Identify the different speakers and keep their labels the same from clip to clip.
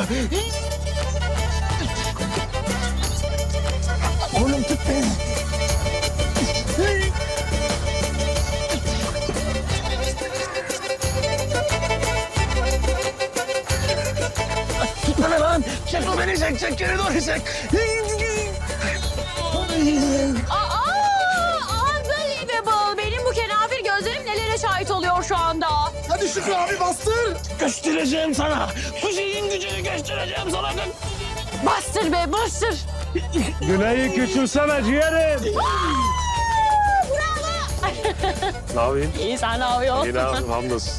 Speaker 1: Oğlum tut beni. Tutma lan. Çek beni çek. Geri doğru çek.
Speaker 2: Unbelievable. Benim bu kenafir gözlerim nelere şahit oluyor şu anda.
Speaker 1: Hadi Şükrü abi bastır. Göstereceğim sana. Bu şeyin gücünü göstereceğim sana.
Speaker 2: Bastır be, bastır.
Speaker 3: Güney'i küçülsene ciğerim. Ne yapayım?
Speaker 2: İyi, sen ne yapıyorsun?
Speaker 3: İyi ne yapayım hamdolsun.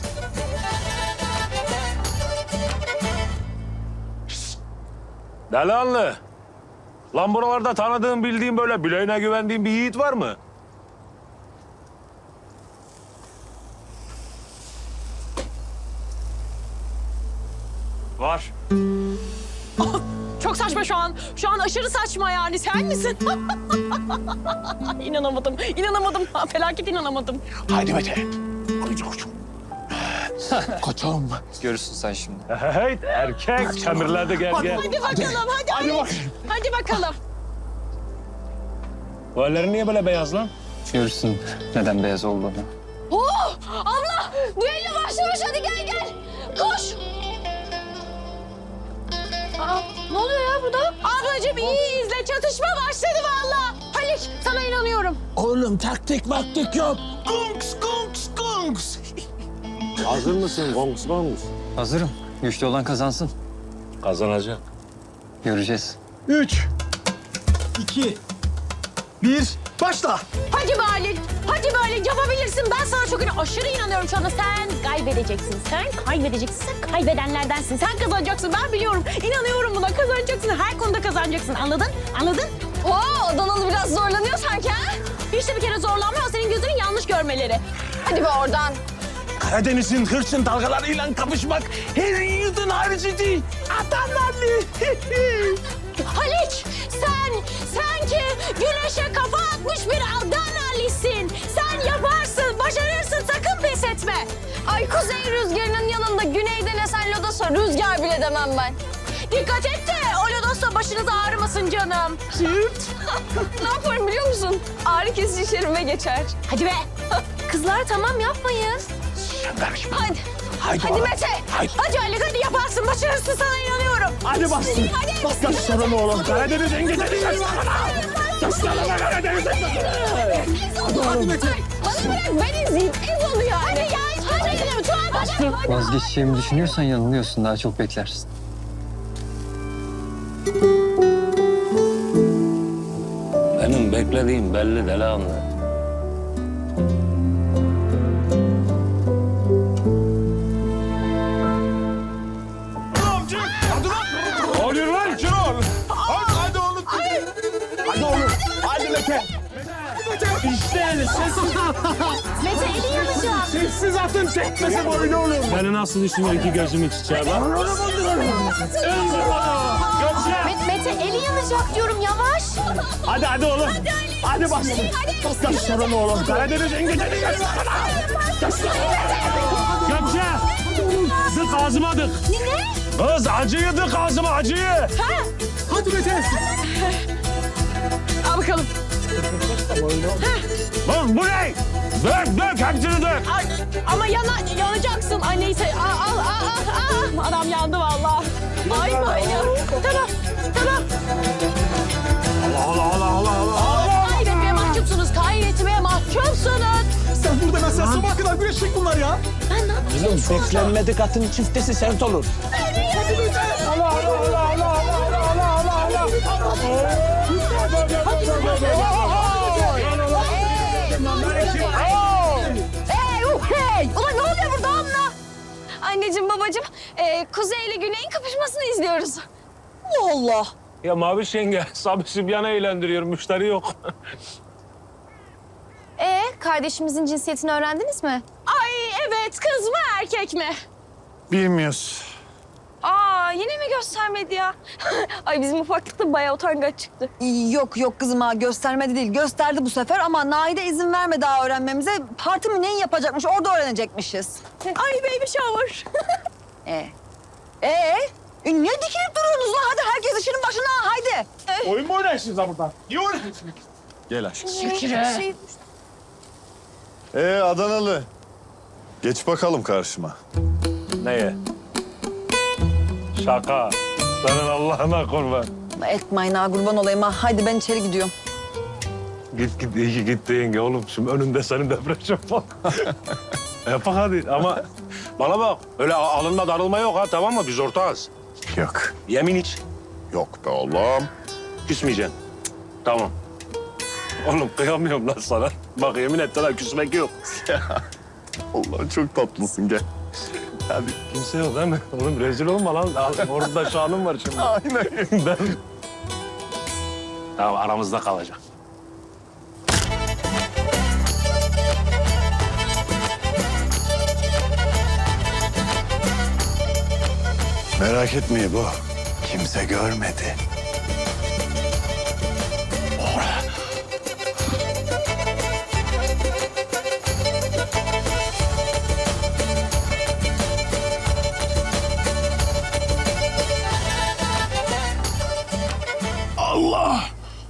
Speaker 3: Delihanlı. Lan buralarda tanıdığın, bildiğin böyle bileğine güvendiğin bir yiğit var mı? Var.
Speaker 2: Çok saçma şu an. Şu an aşırı saçma yani. Sen misin? İnanamadım. Felaket inanamadım.
Speaker 1: Haydi Mete. Haydi koçum. Koçum.
Speaker 4: Görürsün sen şimdi.
Speaker 3: Hey erkek. Kemirlerde gel.
Speaker 2: Hadi bakalım, hadi. Hadi bakalım.
Speaker 3: Bu ellerin niye böyle beyaz lan?
Speaker 4: Görürsün neden beyaz olduğunu.
Speaker 2: Oh! Abla! Düello başlamış, hadi gel. Koş! Aa, ne oluyor ya burada? Ablacığım iyi izle, çatışma başladı vallahi. Halik, sana inanıyorum.
Speaker 1: Oğlum taktik maktik yok. Kunks.
Speaker 3: Hazır mısın? Gongs.
Speaker 4: Hazırım. Güçlü olan kazansın.
Speaker 3: Kazanacak.
Speaker 4: Göreceğiz.
Speaker 1: 3, 2, 1, başla.
Speaker 2: Hadi Halil, yapabilirsin. Ben sana çok aşırı inanıyorum şu anda. Sen kaybedeceksin, sen kaybedenlerdensin. Sen kazanacaksın, ben biliyorum. İnanıyorum buna, kazanacaksın. Her konuda kazanacaksın, anladın? Oo, Donald biraz zorlanıyor sanki ha? Hiç de bir kere zorlanmıyor, senin gözünün yanlış görmeleri. Hadi be oradan.
Speaker 1: Karadeniz'in hırçın dalgalarıyla kapışmak her yiğidin harcı değil. Adamlarlı.
Speaker 2: Haliç, sen ki güneşe kafa atmış bir Adanalisin. Sen yaparsın, başarırsın, sakın pes etme. Ay kuzey rüzgarının yanında güneyden esen lodosa rüzgar bile demem ben. Dikkat et de o lodosa başınız ağrımasın canım. Ne yaparım biliyor musun? Ağrı kesici şerime geçer. Hadi be. Kızlar tamam yapmayın.
Speaker 1: Sen karışma.
Speaker 2: Hadi Mete. Hadi Ali, hadi yaparsın, başarırsın, sana inanıyorum.
Speaker 1: Hadi bastın.
Speaker 2: Hadi.
Speaker 1: Gösterin oğlum. Karadeniz'in güzeli. Gösterin Karadeniz'in
Speaker 2: Hadi Mete. Bana bırak, ben izleyeyim. Ez oluyor. Hadi ya. Hadi.
Speaker 4: Vazgeçeceğimi düşünüyorsan yanılıyorsun. Daha çok beklersin.
Speaker 3: Benim beklediğim belli Delihanlı. Ne oluyor lan? Şenol?
Speaker 1: Hadi oğlum. Hadi oğlum. Hadi Mete. İşte sessiz.
Speaker 2: Mete eli yanacak.
Speaker 1: Sessiz atın tekmesi boyunu oğlum.
Speaker 3: Beni nasıl üstüme iki gözümü çiçeğe bak.
Speaker 2: Mete eli yanacak diyorum, yavaş.
Speaker 1: Hadi oğlum. Hadi bastın. Gösterin oğlum. Karadeniz'in güzeli.
Speaker 3: Gökçe! Dık ağzıma dık.
Speaker 2: Ne?
Speaker 3: Kız acıyı dık ağzıma acıyı.
Speaker 1: Hadi Mete.
Speaker 2: Al bakalım.
Speaker 3: Lan bu ne? Dök hepsini dök.
Speaker 2: Ay, ama yanacaksın. Ay neyse. Al. Adam yandı vallahi. Ay bayım. Tamam.
Speaker 3: Allah.
Speaker 2: Kaybetmeye mahcupsunuz.
Speaker 1: Sen burada mesela sabaha kadar güreşecek bunlar ya.
Speaker 2: Ben ne yapayım?
Speaker 1: Oğlum beklenmedik atın çiftesi sert olur.
Speaker 2: Hey! Ulan ne oluyor burada anla? Anneciğim, babacığım, Kuzey ile Güney'in kapışmasını izliyoruz. Allah!
Speaker 3: Ya Maviş yenge, Sabri Sübyan'ı eğlendiriyor, müşteri yok.
Speaker 5: Kardeşimizin cinsiyetini öğrendiniz mi?
Speaker 2: Ay evet, kız mı erkek mi?
Speaker 1: Bilmiyoruz.
Speaker 2: Yine mi göstermedi ya? Ay bizim ufaklıkta bayağı utangaç çıktı.
Speaker 6: Yok kızım ha, göstermedi değil. Gösterdi bu sefer ama Naide izin vermedi daha öğrenmemize. Parti mi neyi yapacakmış, orada öğrenecekmişiz.
Speaker 2: Ay baby shower.
Speaker 6: Niye dikilip duruyorsunuz lan? Hadi herkes işinin başına haydi.
Speaker 1: Oyun mu oynarsınız ha burada? Niye oynarsınız?
Speaker 7: Gel aşkım.
Speaker 2: Şükrü.
Speaker 7: Adanalı. Geç bakalım karşıma.
Speaker 3: Neye? Şaka. Senin Allah'ına kurban.
Speaker 6: Etmeyin ha kurban olayım ha. Haydi ben içeri gidiyorum.
Speaker 3: Git iyi ki gitti yenge oğlum. Şimdi önünde senin depresyon falan. Yapak hadi ama bana bak. Öyle alınma darılma yok ha, tamam mı? Biz ortağız.
Speaker 7: Yok.
Speaker 3: Yemin iç.
Speaker 7: Yok be oğlum.
Speaker 3: Küsmeyeceksin. Tamam. Oğlum kıyamıyorum lan sana. Bak yemin et sana küsmek yok.
Speaker 7: Allah çok tatlısın gel.
Speaker 3: Hadi. Kimse yok değil mi? Oğlum rezil olma lan. Orada şanım var şimdi.
Speaker 7: Aynen.
Speaker 3: Ben... Tamam aramızda kalacak.
Speaker 7: Merak etmeyin bu. Kimse görmedi. Allah!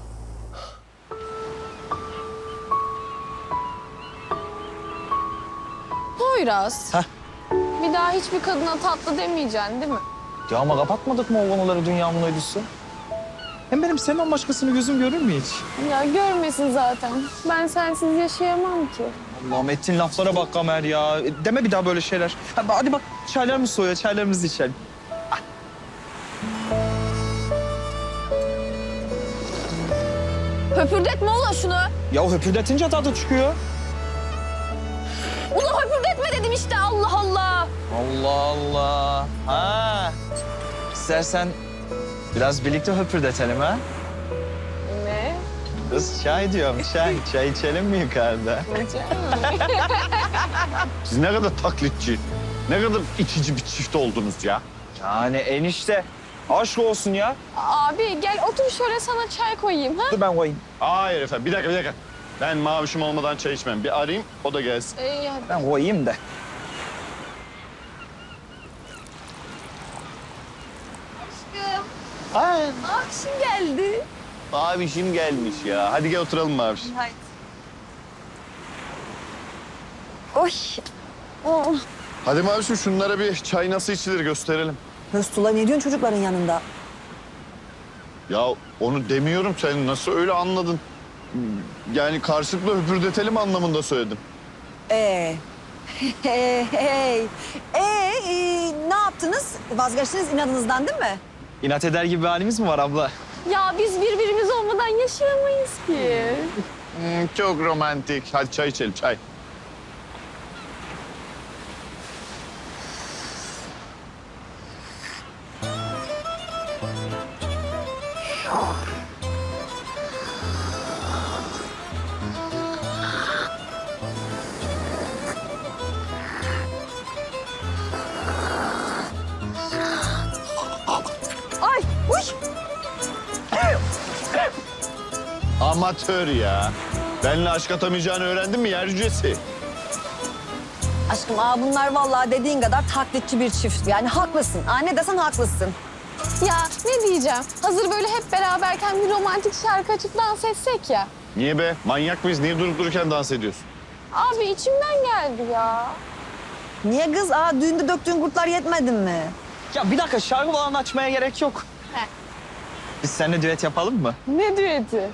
Speaker 8: Poyraz. Bir daha hiçbir kadına tatlı demeyeceksin değil mi?
Speaker 9: Ya ama kapatmadık mı o konuları dünyamın uydusu? Hem benim senden başkasını gözüm görür mü hiç?
Speaker 8: Ya görmesin zaten. Ben sensiz yaşayamam ki.
Speaker 9: Allah'ım ettiğin laflara bak Kamer ya. Deme bir daha böyle şeyler. Hadi bak çaylarımız soğuyor, çaylarımızı içelim.
Speaker 2: Höpürdetme ulan şunu.
Speaker 9: Ya höpürdetince tadı çıkıyor.
Speaker 2: Ulan höpürdetme dedim işte Allah Allah.
Speaker 9: Allah Allah. Ha. İstersen biraz birlikte höpürdetelim ha.
Speaker 8: Ne?
Speaker 9: Kız çay diyorum çay. Çay içelim mi yukarıda?
Speaker 7: Siz ne kadar taklitçi, ne kadar içici bir çift oldunuz ya.
Speaker 9: Yani enişte. Aşk olsun ya.
Speaker 8: Abi gel otur şöyle sana çay koyayım ha?
Speaker 9: Dur ben koyayım.
Speaker 7: Hayır efendim, bir dakika. Ben mavişim olmadan çay içmem. Bir arayayım, o da gelsin.
Speaker 8: İyi hadi.
Speaker 9: Ben koyayım da.
Speaker 2: Akşam geldi.
Speaker 7: Mavişim gelmiş ya. Hadi gel oturalım maviş.
Speaker 6: Haydi. Oy. Oh.
Speaker 7: Hadi mavişim şunlara bir çay nasıl içilir gösterelim.
Speaker 6: Höstula ne diyorsun çocukların yanında?
Speaker 7: Ya onu demiyorum, sen nasıl öyle anladın? Yani karşılıklı höpürdetelim anlamında söyledim.
Speaker 6: Hey. Ne yaptınız? Vazgeçtiniz inadınızdan değil mi?
Speaker 9: İnat eder gibi bir halimiz mi var abla?
Speaker 8: Ya biz birbirimiz olmadan yaşayamayız ki.
Speaker 7: Çok romantik. Hadi çay içelim, çay.
Speaker 6: Ay, uy.
Speaker 7: Amatör ya. Benimle aşk atamayacağını öğrendin mi yer cücesi?
Speaker 6: Aşkım bunlar vallahi dediğin kadar taklitçi bir çift. Yani haklısın. Ne desen haklısın.
Speaker 8: Ya ne diyeceğim? Hazır böyle hep beraberken bir romantik şarkı açıp dans etsek ya.
Speaker 7: Niye be? Manyak mıyız? Niye durup dururken dans ediyorsun?
Speaker 8: Abi içimden geldi ya.
Speaker 6: Niye kız? Düğünde döktüğün kurtlar yetmedin mi?
Speaker 9: Ya bir dakika şarkı falan açmaya gerek yok.
Speaker 8: He.
Speaker 9: Biz seninle düet yapalım mı?
Speaker 8: Ne düeti?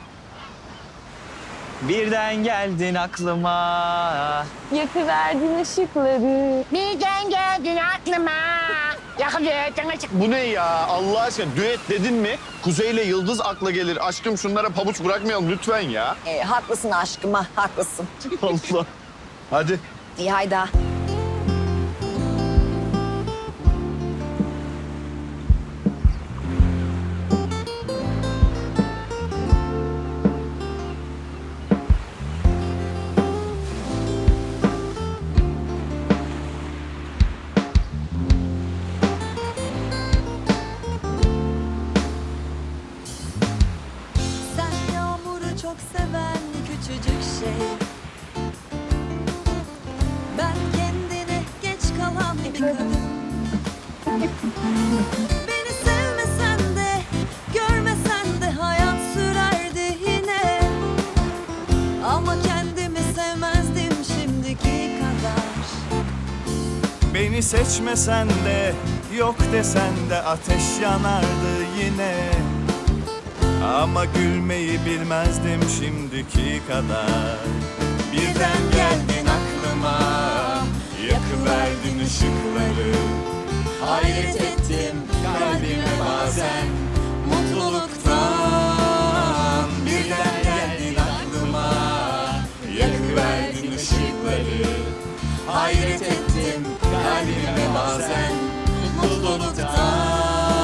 Speaker 9: Birden geldin aklıma.
Speaker 8: Yakıverdin ışıkları.
Speaker 2: Birden geldin aklıma. Yakıverdin açık.
Speaker 7: Bu ne ya? Allah aşkına düet dedin mi? Kuzey ile Yıldız akla gelir. Aşkım şunlara pabuç bırakmayalım lütfen ya.
Speaker 6: Haklısın aşkım haklısın.
Speaker 7: Allah. Hadi.
Speaker 6: İyi haydi.
Speaker 10: Sen yağmuru çok seven küçücük şey. Ben kendine geç kalan bir kadın. Beni
Speaker 11: Beni seçmesen de, yok desen de ateş yanardı yine. Ama gülmeyi bilmezdim şimdiki kadar. Birden geldin aklıma, yakıverdin ışıkları. Hayret ettim kalbime bazen mutluluktan. Birden geldin aklıma, yakıverdin ışıkları. Hayret ettim kalbime bazen mutluluktan.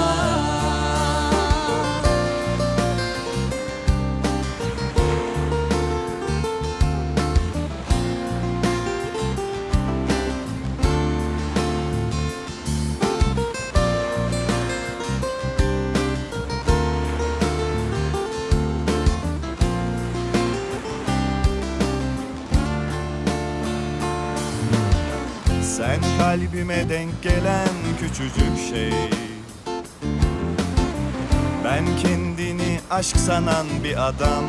Speaker 11: Sen kalbime denk gelen küçücük şey. Ben kendini aşk sanan bir adam.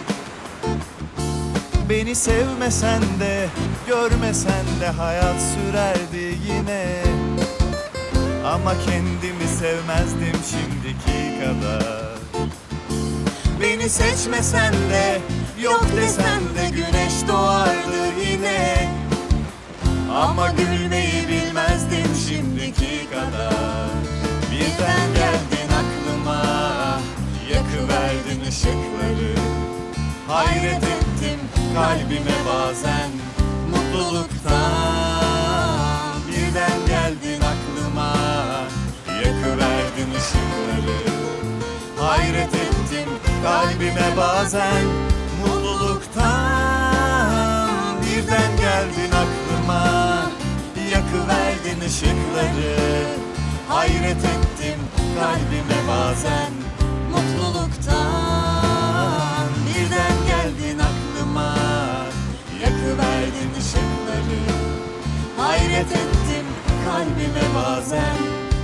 Speaker 11: Beni sevmesen de, görmesen de hayat sürerdi yine. Ama kendimi sevmezdim şimdiki kadar. Beni seçmesen de, yok desen de güneş doğardı yine. Ama gülmeyi bilmezdim şimdiki kadar. Birden geldin aklıma, yakıverdin ışıkları. Hayret ettim kalbime bazen mutluluktan. Birden geldin aklıma, yakıverdin ışıkları. Hayret ettim kalbime bazen mutluluktan. Birden geldin aklıma, yakıverdin ışıkları. Hayret ettim kalbime bazen mutluluktan. Birden geldin aklıma, yakıverdin ışıkları. Hayret ettim kalbime bazen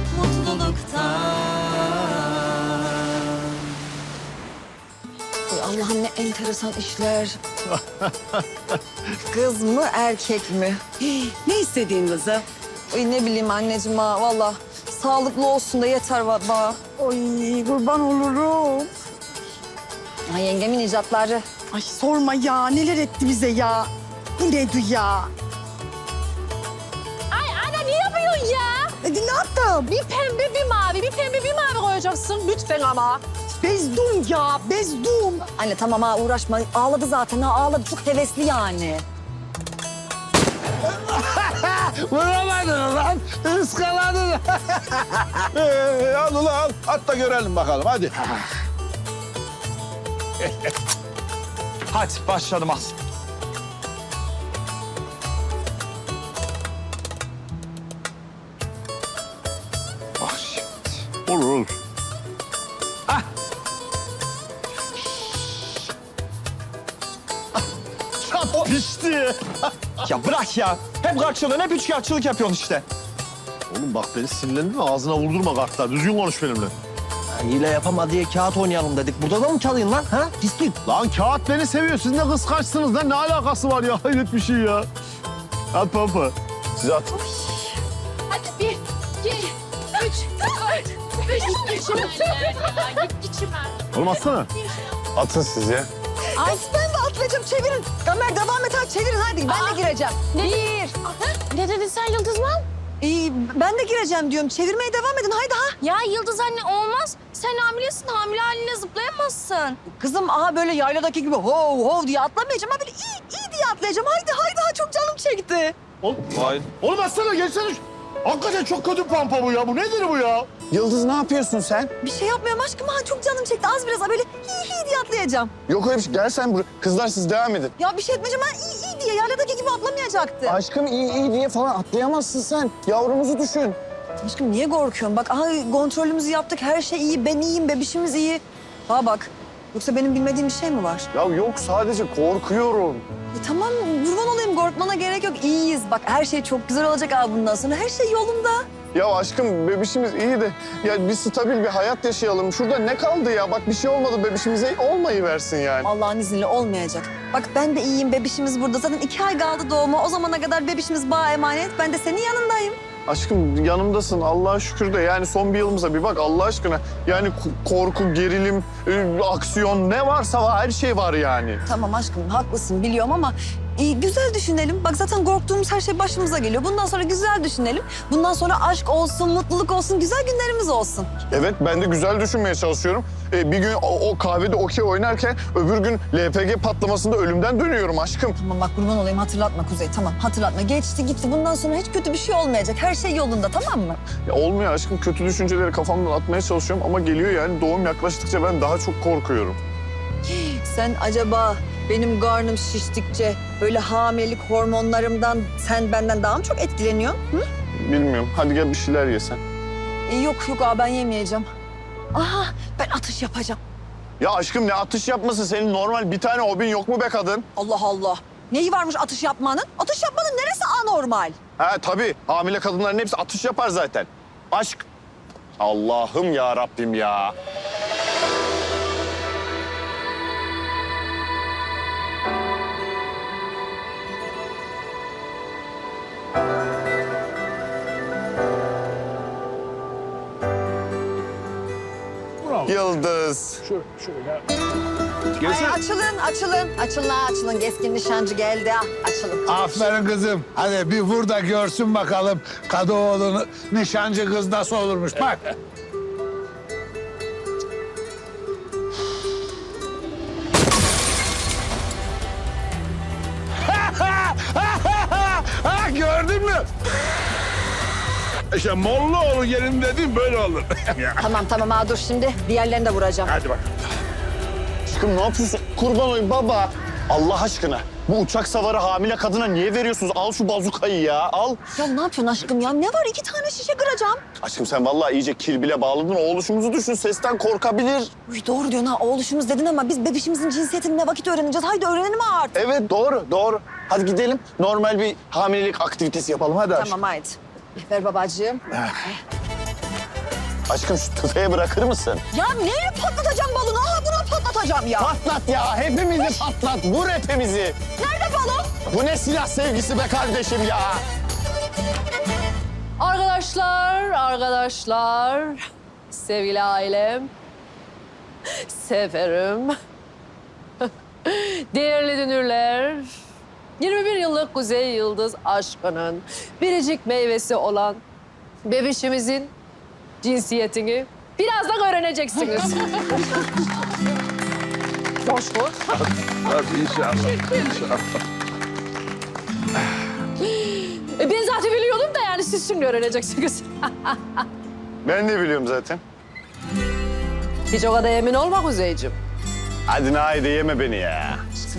Speaker 11: mutluluktan.
Speaker 6: Ay Allah'ım ne enteresan işler. Kız mı erkek mi?
Speaker 12: Ne istediğin kızım?
Speaker 6: Ay ne bileyim anneciğim ha valla. Sağlıklı olsun da yeter baba.
Speaker 12: Ay kurban olurum.
Speaker 6: Ay yengemin icatları.
Speaker 12: Ay sorma ya neler etti bize ya. Bu nedir ya?
Speaker 2: Ay ana ne yapıyorsun ya?
Speaker 12: Ne yaptım?
Speaker 2: Bir pembe bir mavi, bir pembe bir mavi koyacaksın lütfen ama.
Speaker 12: Bezdum ya bezdum.
Speaker 6: Anne tamam ha uğraşma. Ağladı zaten ha ağladı. Çok hevesli yani.
Speaker 1: Vuramadın lan. Iskaladın.
Speaker 3: Al ulan al. At da görelim bakalım hadi.
Speaker 9: Hadi başladım az.
Speaker 3: Bak şimdi. Olur olur.
Speaker 9: Pişti. Ya bırak ya. Hep karşılığın hep üçkağıtçılık yapıyorsun işte.
Speaker 3: Oğlum bak beni sinirlendirme ağzına vurdurma kartlar. Düzgün konuş benimle.
Speaker 13: Hile yapama diye kağıt oynayalım dedik. Burada da mı çalayım lan? Ha? Pislik.
Speaker 3: Lan kağıt beni seviyor. Siz ne kıskançsınız lan. Ne alakası var ya? Hayret bir şey ya. At pampa. Siz at.
Speaker 2: Hadi 1, 2, 3, 4, 5, git içime.
Speaker 3: Oğlum atsana. Atın siz ya.
Speaker 6: Ay ben de atlayacağım çevirin. Kamer devam et hadi çevirin hadi ben de gireceğim.
Speaker 2: Ne dedin sen Yıldızman?
Speaker 6: Ben de gireceğim diyorum. Çevirmeye devam edin haydi ha.
Speaker 5: Ya Yıldız anne olmaz. Sen hamilesin. Hamile haline zıplayamazsın.
Speaker 6: Kızım aha böyle yayladaki gibi hov hov diye atlamayacağım. Ha böyle iyi diye atlayacağım. Haydi haydi ha çok canım çekti.
Speaker 3: Oğlum atsana geçsene. Hakikaten çok kötü pampa bu ya. Bu nedir bu ya?
Speaker 13: Yıldız ne yapıyorsun sen?
Speaker 6: Bir şey yapmıyorum aşkım ha çok canım çekti. Az biraz böyle iyi diye atlayacağım.
Speaker 7: Yok öyle bir şey. Gel sen buraya. Kızlar siz devam edin.
Speaker 6: Ya bir şey etmeyeceğim ha iyi diye yayladaki gibi atlamayacaktı.
Speaker 13: Aşkım iyi diye falan atlayamazsın sen. Yavrumuzu düşün.
Speaker 6: Aşkım niye korkuyorsun? Bak aha kontrolümüzü yaptık her şey iyi ben iyiyim bebişimiz iyi. Ha bak yoksa benim bilmediğim bir şey mi var?
Speaker 7: Ya yok sadece korkuyorum.
Speaker 6: Tamam kurban olayım korkmana gerek yok iyiyiz. Bak her şey çok güzel olacak abi bundan sonra her şey yolunda.
Speaker 7: Ya aşkım bebişimiz iyi de ya bir stabil bir hayat yaşayalım. Şurada ne kaldı ya? Bak bir şey olmadı bebişimize olmayıversin yani.
Speaker 6: Allah'ın izniyle olmayacak. Bak ben de iyiyim bebişimiz burada. Zaten 2 ay kaldı doğuma. O zamana kadar bebişimiz bana emanet. Ben de senin yanındayım.
Speaker 7: Aşkım yanımdasın Allah'a şükür de yani son bir yılımıza bir bak Allah aşkına. Yani korku, gerilim, aksiyon ne varsa var, her şey var yani.
Speaker 6: Tamam aşkım haklısın biliyorum ama güzel düşünelim. Bak zaten korktuğumuz her şey başımıza geliyor. Bundan sonra güzel düşünelim. Bundan sonra aşk olsun, mutluluk olsun, güzel günlerimiz olsun.
Speaker 7: Evet ben de güzel düşünmeye çalışıyorum. Bir gün o kahvede okey oynarken öbür gün LPG patlamasında ölümden dönüyorum aşkım.
Speaker 6: Tamam bak kurban olayım hatırlatma Kuzey tamam hatırlatma. Geçti gitti bundan sonra hiç kötü bir şey olmayacak. Her şey yolunda tamam mı?
Speaker 7: Ya olmuyor aşkım kötü düşünceleri kafamdan atmaya çalışıyorum ama geliyor yani doğum yaklaştıkça ben daha çok korkuyorum.
Speaker 6: Sen acaba benim karnım şiştikçe böyle hamilelik hormonlarımdan sen benden daha mı çok etkileniyorsun? Hı?
Speaker 7: Bilmiyorum hadi gel bir şeyler yesen.
Speaker 6: Yok abi ben yemeyeceğim. Aha ben atış yapacağım.
Speaker 7: Ya aşkım ne atış yapması senin normal bir tane hobin yok mu be kadın?
Speaker 6: Allah Allah. Neyi varmış atış yapmanın? Atış yapmanın neresi anormal?
Speaker 7: Ha tabii hamile kadınların hepsi atış yapar zaten. Aşk. Allah'ım ya Rabbim ya. Yıldız.
Speaker 6: Ay açılın. Keskin nişancı geldi ha. Açılın.
Speaker 1: Aferin kızım. Hadi bir vur da görsün bakalım Kadıoğlu'nun nişancı kız nasıl olurmuş. Bak. Ha, gördün mü? İşte Mollaoğlu gelin dedim böyle olur.
Speaker 6: Tamam ha dur şimdi diğerlerini de vuracağım.
Speaker 1: Hadi bak.
Speaker 7: Aşkım ne yapıyorsun? Kurban olayım baba. Allah aşkına bu uçak savarı hamile kadına niye veriyorsunuz? Al şu bazukayı ya al.
Speaker 6: Ya ne yapıyorsun aşkım ya? Ne var 2 tane şişe kıracağım.
Speaker 7: Aşkım sen vallahi iyice kirbile bağladın. O oluşumuzu düşün sesten korkabilir.
Speaker 6: Uy, doğru diyorsun ha oğluşumuz dedin ama biz bebişimizin cinsiyetini ne vakit öğreneceğiz? Haydi öğrenelim artık.
Speaker 7: Evet doğru. Hadi gidelim normal bir hamilelik aktivitesi yapalım hadi aşkım.
Speaker 6: Tamam haydi. Ver babacığım.
Speaker 7: Aşkım şu tüfeği bırakır mısın?
Speaker 6: Ya neyle patlatacağım balonu? Aha bunu patlatacağım ya.
Speaker 7: Patlat ya hepimizi patlat. Vur hepimizi.
Speaker 6: Nerede balon?
Speaker 7: Bu ne silah sevgisi be kardeşim ya.
Speaker 2: Arkadaşlar, sevgili ailem, severim, değerli dünürler, 21 yıllık Kuzey Yıldız aşkının biricik meyvesi olan bebişimizin cinsiyetini birazdan öğreneceksiniz. Coşkun.
Speaker 1: Hadi inşallah.
Speaker 2: Ben zaten biliyordum da yani siz şimdi öğreneceksiniz.
Speaker 7: Ben de biliyorum zaten.
Speaker 2: Hiç o kadar emin olma Kuzeyciğim.
Speaker 7: Hadi Naide yeme beni ya.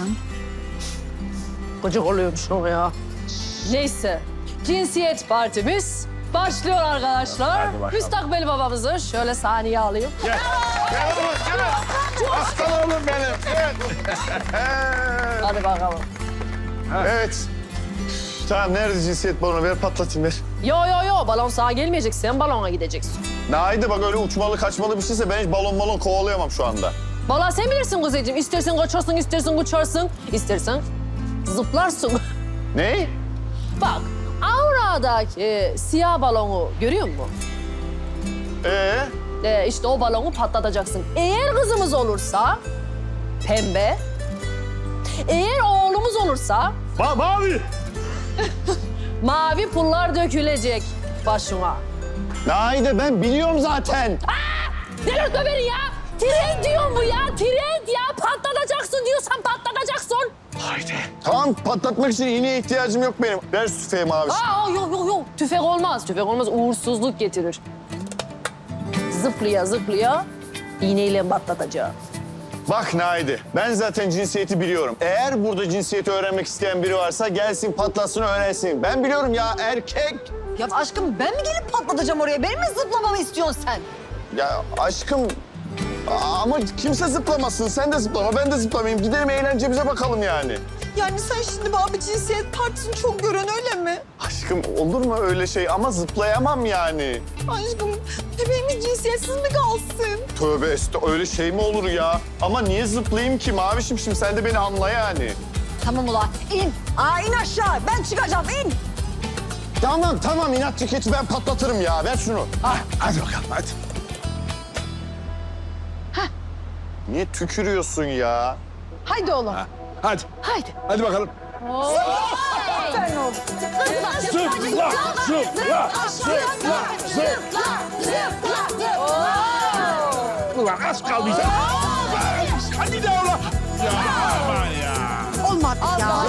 Speaker 2: Gıcık oluyormuşum ya. Neyse, cinsiyet partimiz başlıyor arkadaşlar. Müstakbel babamızı şöyle sahneye alayım.
Speaker 1: Gel oğlum gel. Aslan oğlum benim. Gel.
Speaker 2: Hadi bakalım.
Speaker 7: Evet. Tamam nerede cinsiyet balonu ver patlatayım ver.
Speaker 2: Yo, balon sağa gelmeyecek, sen balona gideceksin.
Speaker 7: Naide bak öyle uçmalı kaçmalı bir şeyse ben hiç balon kovalayamam şu anda.
Speaker 2: Vallahi sen bilirsin Kuzeyciğim. İstersen kaçarsın, istersen uçarsın, istersen zıplarsın.
Speaker 7: Ne?
Speaker 2: Bak, Aura'daki siyah balonu görüyor musun? İşte o balonu patlatacaksın. Eğer kızımız olursa pembe, eğer oğlumuz olursa
Speaker 1: Mavi.
Speaker 2: mavi pullar dökülecek başıma.
Speaker 7: Naide ben biliyorum zaten.
Speaker 2: Delirtme beni ya! Trend diyor bu ya, trend ya! Patlatacaksın diyorsan patlatacaksın.
Speaker 7: Tamam patlatmak için iğneye ihtiyacım yok benim. Ver şu tüfeği mavi.
Speaker 2: Yok. Tüfek olmaz. Tüfek olmaz. Uğursuzluk getirir. Zıplaya iğneyle patlatacağım.
Speaker 7: Bak Naide ben zaten cinsiyeti biliyorum. Eğer burada cinsiyeti öğrenmek isteyen biri varsa gelsin patlatsın öğrensin. Ben biliyorum ya erkek.
Speaker 6: Ya aşkım ben mi gelip patlatacağım oraya? Benim mi zıplamamı istiyorsun sen?
Speaker 7: Ya aşkım ama kimse zıplamasın. Sen de zıplama ben de zıplamayayım. Gidelim eğlencemize bakalım yani.
Speaker 6: Yani sen şimdi bana bir cinsiyet partisini çok gören öyle mi?
Speaker 7: Aşkım olur mu öyle şey ama zıplayamam yani.
Speaker 6: Aşkım bebeğimiz cinsiyetsiz mi kalsın?
Speaker 7: Tövbe öyle şey mi olur ya? Ama niye zıplayayım ki Mavişim şimdi sen de beni anla yani.
Speaker 6: Tamam ulan in. İn aşağı ben çıkacağım in.
Speaker 7: Tamam inatçı keçi ben patlatırım ya. Ver şunu.
Speaker 1: Hadi bakalım hadi.
Speaker 7: Niye tükürüyorsun ya?
Speaker 12: Haydi oğlum.
Speaker 1: Hadi.
Speaker 12: Haydi.
Speaker 1: Hadi bakalım.
Speaker 12: Aferin oğlum.
Speaker 1: Zıpla, zıpla, zıpla, zıpla. Ulan az kaldıysa. Hadi de ulan. Ya aman ya.
Speaker 12: Olmadı ya.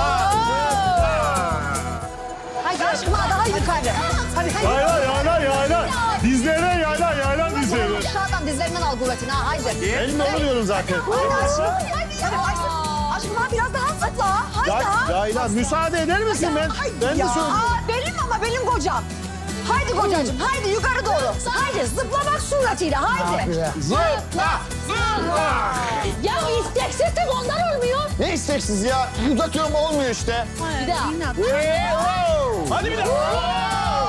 Speaker 6: Haydi aşkım daha yukarı.
Speaker 12: Hadi.
Speaker 7: Yayla. Dizlerine yayla dizlerine.
Speaker 6: Aşağıdan dizlerinden al kuvvetini ha haydi.
Speaker 7: Elimle onu diyorum zaten.
Speaker 6: Haydi aşkım. Aşkım ha biraz daha zıpla. Haydi.
Speaker 7: Yayla müsaade eder misin ben? Ben de
Speaker 6: Ya
Speaker 7: söyleyeyim.
Speaker 6: benim ama benim kocam. Haydi kocacığım haydi yukarı doğru. Haydi zıpla bak suratıyla haydi.
Speaker 1: Zıpla, zıpla.
Speaker 2: Ya isteksizlik ondan olmuyor.
Speaker 7: Ne isteksiz ya? Uzatıyorum olmuyor işte.
Speaker 2: Bir daha.
Speaker 7: Hadi bir daha.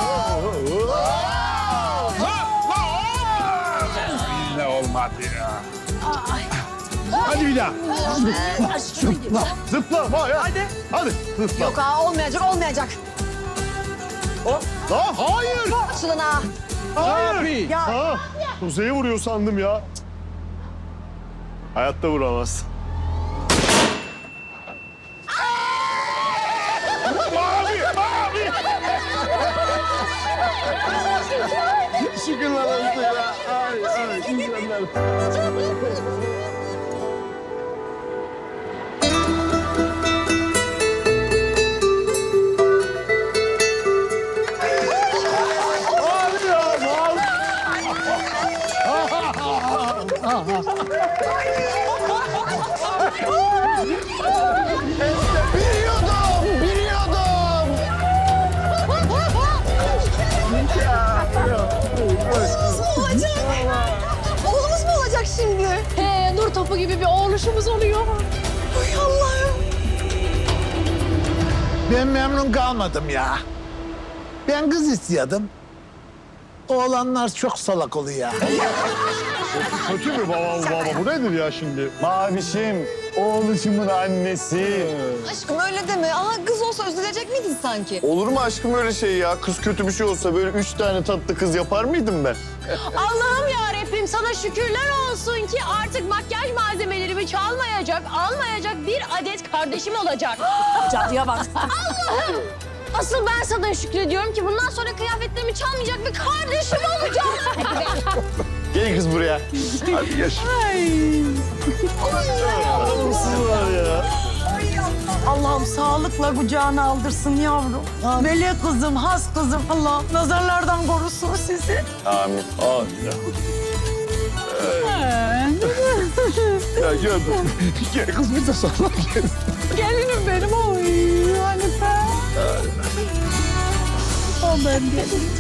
Speaker 1: Yine olmadı ya. Hadi bir daha.
Speaker 7: Zıpla. Hadi. Zıpla.
Speaker 6: Yok ha olmayacak.
Speaker 7: Hayır.
Speaker 6: Açılın ha.
Speaker 7: Hayır. Ha, Kuzey'e vuruyor sandım ya. Hayatta vuramaz. Mavi. Şükürler olsun ya. Ay, insanlar. Biliyordum.
Speaker 6: Oğlumuz mu olacak şimdi?
Speaker 2: He, nur topu gibi bir oğluşumuz oluyor.
Speaker 6: Ay Allah'ım.
Speaker 1: Ben memnun kalmadım ya. Ben kız istiyordum. Oğlanlar çok salak oluyor.
Speaker 7: Kötü mü baba? Bu nedir ya şimdi? Mavişim, oğluşumun annesi.
Speaker 6: Aşkım öyle deme. Aha kız olsa üzülecek miydin sanki?
Speaker 7: Olur mu aşkım öyle şey ya? Kız kötü bir şey olsa böyle 3 tane tatlı kız yapar mıydım ben?
Speaker 2: Allah'ım yarabbim sana şükürler olsun ki artık makyaj malzemelerimi çalmayacak, almayacak bir adet kardeşim olacak.
Speaker 12: Cadıya bak.
Speaker 2: Allah'ım! Asıl ben sana şükrediyorum ki bundan sonra kıyafetlerimi çalmayacak bir kardeşim olacak.
Speaker 7: Gel kız buraya. Hadi geç.
Speaker 12: Allah'ım sağlıkla kucağına aldırsın yavrum. Melek kızım, has kızım. Allah nazarlardan korusun sizi.
Speaker 7: Amin. Amin. Ya gördüm. Gel kız bir de sana gel.
Speaker 12: Gelinim benim. Oy Hanife. O ben gelinim.